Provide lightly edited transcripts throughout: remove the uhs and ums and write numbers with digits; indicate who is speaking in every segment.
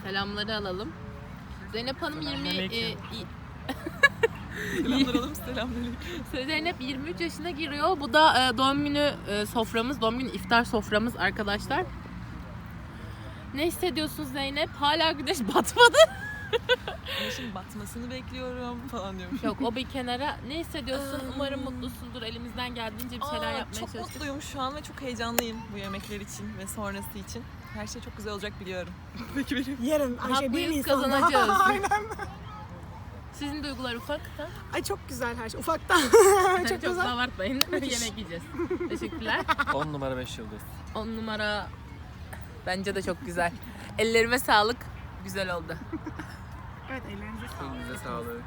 Speaker 1: Selamları alalım. Zeynep Hanım 20
Speaker 2: Selamünaleyküm.
Speaker 1: Zeynep 23 yaşına giriyor. Bu da doğum günü soframız, doğum günü iftar soframız arkadaşlar. Ne hissediyorsun Zeynep? Hala güneş batmadı.
Speaker 2: Güneşin batmasını bekliyorum falan diyormuş.
Speaker 1: Yok, o bir kenara. Ne hissediyorsun? Umarım mutlusundur. Elimizden geldiğince bir şeyler yapmaya
Speaker 2: Çok
Speaker 1: çalıştık.
Speaker 2: mutluyum şu an ve çok heyecanlıyım bu yemekler için ve sonrası için. Her şey çok güzel olacak biliyorum. Peki benim.
Speaker 3: Yarın Ayşe 1
Speaker 1: Haklıyız,
Speaker 3: Nisan'da.
Speaker 1: kazanacağız.
Speaker 3: Aynen.
Speaker 1: Sizin duygular ufak.
Speaker 3: Ay çok güzel her şey. Ufaktan.
Speaker 1: Çok
Speaker 3: çok güzel.
Speaker 1: abartmayın. Yemek yiyeceğiz. Teşekkürler.
Speaker 4: 10 numara 5 yıldız.
Speaker 1: 10 numara bence de çok güzel. Ellerime sağlık. Güzel oldu.
Speaker 3: Evet ellerinize sağlık.
Speaker 4: Elinize sağlık.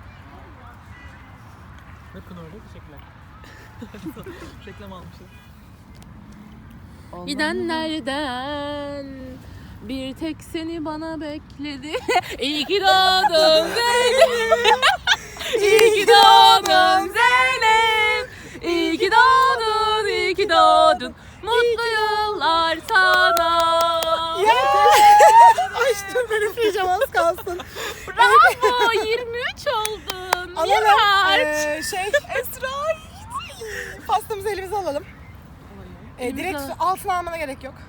Speaker 4: Bakın orada teşekkürler.
Speaker 2: Reklam almışız.
Speaker 1: Gidenlerden bir tek seni bana bekledi. İyi ki doğdun Zeynep. İyi ki doğdun Zeynep. İyi ki doğdun, iyi ki doğdun. Mutlu yıllar sana.
Speaker 3: Ay dur ben üfleyeceğim az kalsın.
Speaker 1: Bravo, 23 oldun.
Speaker 3: Alalım.
Speaker 1: Miraç.
Speaker 3: Esra. Pastamızı elimize alalım. Direkt
Speaker 1: al.
Speaker 3: altına almana gerek yok.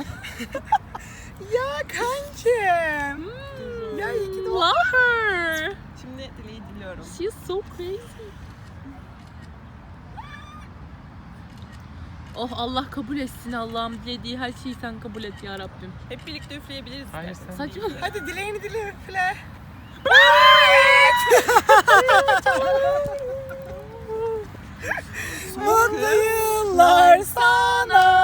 Speaker 3: Ya kankim. Ya iyi ki doğdun.
Speaker 1: Love her.
Speaker 2: Şimdi dileği diliyorum.
Speaker 1: She's so crazy. Oh, Allah kabul etsin Allah'ım, dilediği her şeyi sen kabul et ya Rabbim.
Speaker 2: Hep birlikte üfleyebiliriz.
Speaker 4: Hayır,
Speaker 2: istersen.
Speaker 4: sen
Speaker 1: Saçma.
Speaker 3: Hadi dileğini dile üfle. Mutlu yıllar sana.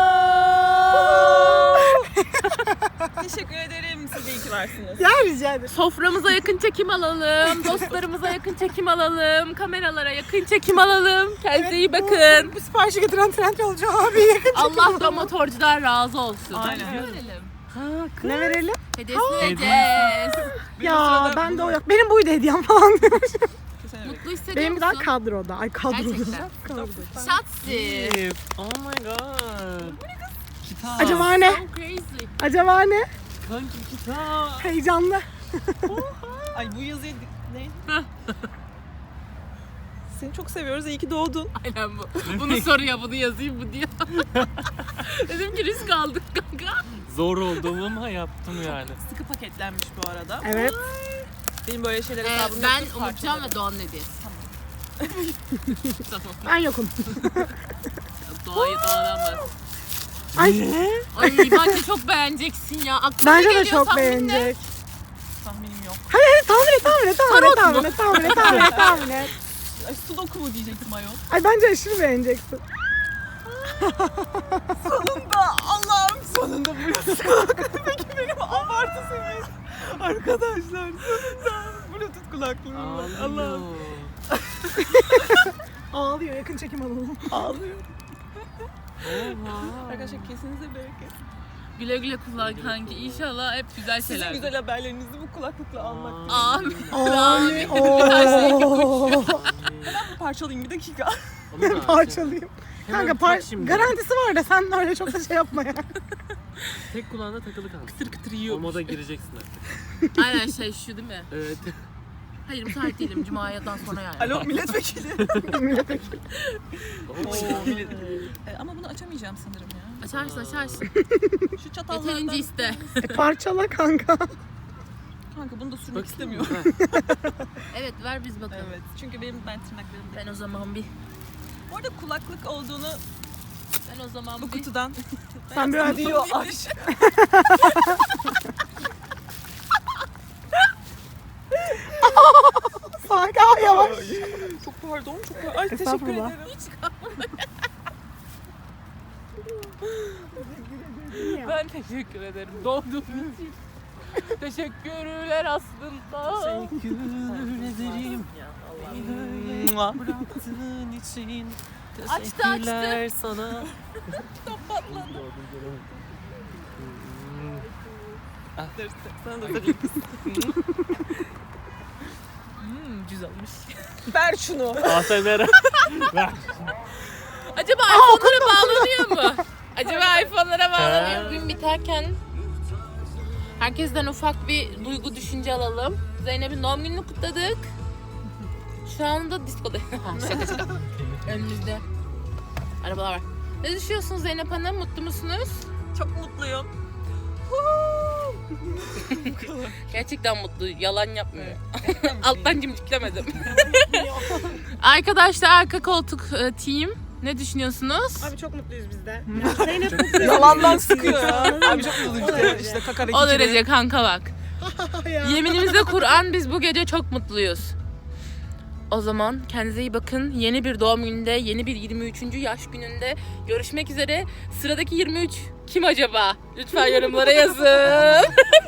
Speaker 2: Teşekkür ederim. Siz de iyi ki varsınız.
Speaker 3: Ya rica ederim.
Speaker 1: Soframıza yakın çekim alalım, dostlarımıza yakın çekim alalım, kameralara yakın çekim alalım. Kendinize iyi bakın.
Speaker 3: Bu siparişi getiren Trendyolcu abi yakın
Speaker 1: Allah da motorcudan razı olsun.
Speaker 2: Aynen.
Speaker 3: Ne verelim?
Speaker 1: Hediyesini vereceğiz.
Speaker 3: Ya ben de o yok. Benim buydu hediyem falan diyormuş.
Speaker 1: Mutlu hissediyor
Speaker 3: Benim bir daha
Speaker 1: musun?
Speaker 3: kadroda. Ay kadroda.
Speaker 1: Gerçekten.
Speaker 3: Kadroda.
Speaker 1: Şatsi.
Speaker 4: Oh my god. Kitap.
Speaker 3: Acaba ne?
Speaker 1: So crazy.
Speaker 3: Acaba ne?
Speaker 4: Kanki kitap.
Speaker 3: Heyecanlı.
Speaker 2: Ay bu yazıyı ne? Seni çok seviyoruz. İyi ki doğdun.
Speaker 1: Aynen bu. Bunu soruyor, bunu yazayım bu diyor. Dedim ki risk aldık kanka.
Speaker 4: Zor olduğumu ama yaptım yani.
Speaker 2: Sıkı paketlenmiş bu arada.
Speaker 3: Evet.
Speaker 2: Benim böyle şeyler hesabım
Speaker 1: Ben
Speaker 2: yoktur,
Speaker 1: unutacağım
Speaker 2: parçalarım.
Speaker 1: ve Doğan hediyesi. Tamam.
Speaker 3: Ben yokum.
Speaker 1: Doğa'yı Doğa'dan bahsedeyim.
Speaker 3: Ay
Speaker 1: Ay bence çok beğeneceksin ya. Aklıma
Speaker 3: bence
Speaker 1: ne
Speaker 3: de
Speaker 1: geliyor
Speaker 3: çok
Speaker 1: tahminle?
Speaker 3: beğenecek.
Speaker 2: Tahminim yok.
Speaker 3: Hadi tahmin et.
Speaker 1: Tarot
Speaker 3: Tahmin et.
Speaker 2: Ay sudoku mu diyecektim ayol.
Speaker 3: Ay bence aşırı beğeneceksin.
Speaker 2: Sonunda Allah'ım sonunda Bluetooth. Peki benim abartı seviyesi. Arkadaşlar sonunda Bluetooth kulaklığım var. Allah'ım.
Speaker 3: Ağlıyor yakın çekim alalım.
Speaker 2: Ağlıyorum.
Speaker 4: Oha.
Speaker 2: Arkadaşlar kesinize bereket.
Speaker 1: Güle güle kullan kanki. İnşallah hep güzel
Speaker 2: Sizin
Speaker 1: şeyler.
Speaker 2: güzel haberlerinizi bu kulaklıkla almak.
Speaker 1: Amin.
Speaker 3: Amin.
Speaker 2: Parçalayayım bir dakika.
Speaker 3: Parçalayayım.
Speaker 4: Hemen
Speaker 3: Kanka
Speaker 4: tak şimdi.
Speaker 3: garantisi var da sen öyle çok da şey yapma ya.
Speaker 4: Tek kulağında takılı kaldı.
Speaker 1: Kıtır kıtır
Speaker 4: O
Speaker 1: yiyor.
Speaker 4: moda gireceksin artık.
Speaker 1: Aynen şey şu değil mi?
Speaker 4: Evet.
Speaker 1: Hayır müsait değilim. Cuma'dan sonra yani.
Speaker 2: Alo milletvekili.
Speaker 4: Oo,
Speaker 2: Milletvekili. Ama bunu açamayacağım sanırım ya.
Speaker 1: Açarsın.
Speaker 2: Şu çatallardan.
Speaker 1: Yeterince iste.
Speaker 3: Parçala kanka.
Speaker 2: Kanka bunu da sürmek
Speaker 4: Bakayım.
Speaker 2: istemiyorum.
Speaker 1: Evet ver biz bakalım.
Speaker 2: Evet. Çünkü benim tırnaklarım
Speaker 1: Ben o zaman bir
Speaker 2: Bu arada kulaklık olduğunu
Speaker 1: ben o zaman
Speaker 2: bu
Speaker 1: bir
Speaker 2: kutudan
Speaker 3: Sen biraz
Speaker 2: diyor aş.
Speaker 3: sakin ol yavaş.
Speaker 2: Çok pardon. Çok pardon. Ay teşekkür
Speaker 3: Estağfurullah.
Speaker 2: ederim.
Speaker 1: ben teşekkür ederim. Doğduğum için. Teşekkürler aslında.
Speaker 4: Teşekkür ederim.
Speaker 2: Mua.
Speaker 4: Bıraktığın için.
Speaker 1: Açtı,
Speaker 4: Teşekkürler sana.
Speaker 2: Dur, sana da vereyim.
Speaker 1: Güzelmiş.
Speaker 2: Ver şunu.
Speaker 4: ASMR. Ver.
Speaker 1: Acaba iPhone'lara bağlanıyor mu? Acaba iPhone'lara bağlanıyor mu? Gün biterken Herkesten ufak bir duygu düşünce alalım. Zeynep'in doğum gününü kutladık. Şu anda diskoda. Şaka şaka. Önümüzde arabalar var. Ne düşünüyorsunuz Zeynep Hanım? Mutlu musunuz?
Speaker 2: Çok mutluyum.
Speaker 1: Gerçekten mutlu. Yalan yapmıyor. Alttan cimciklemedim. Arkadaşlar arka koltuk team. Ne düşünüyorsunuz?
Speaker 3: Abi çok mutluyuz biz de. Zeynep mutlu.
Speaker 2: Yalandan sıkıyor ya. Abi çok mutluyum. İşte kakara
Speaker 1: O
Speaker 2: iki
Speaker 1: derece kanka bak.
Speaker 3: Ya.
Speaker 1: Yeminimizde Kur'an biz bu gece çok mutluyuz. O zaman kendinize iyi bakın. Yeni bir doğum gününde, yeni bir 23. yaş gününde görüşmek üzere. Sıradaki 23 kim acaba? Lütfen yorumlara yazın.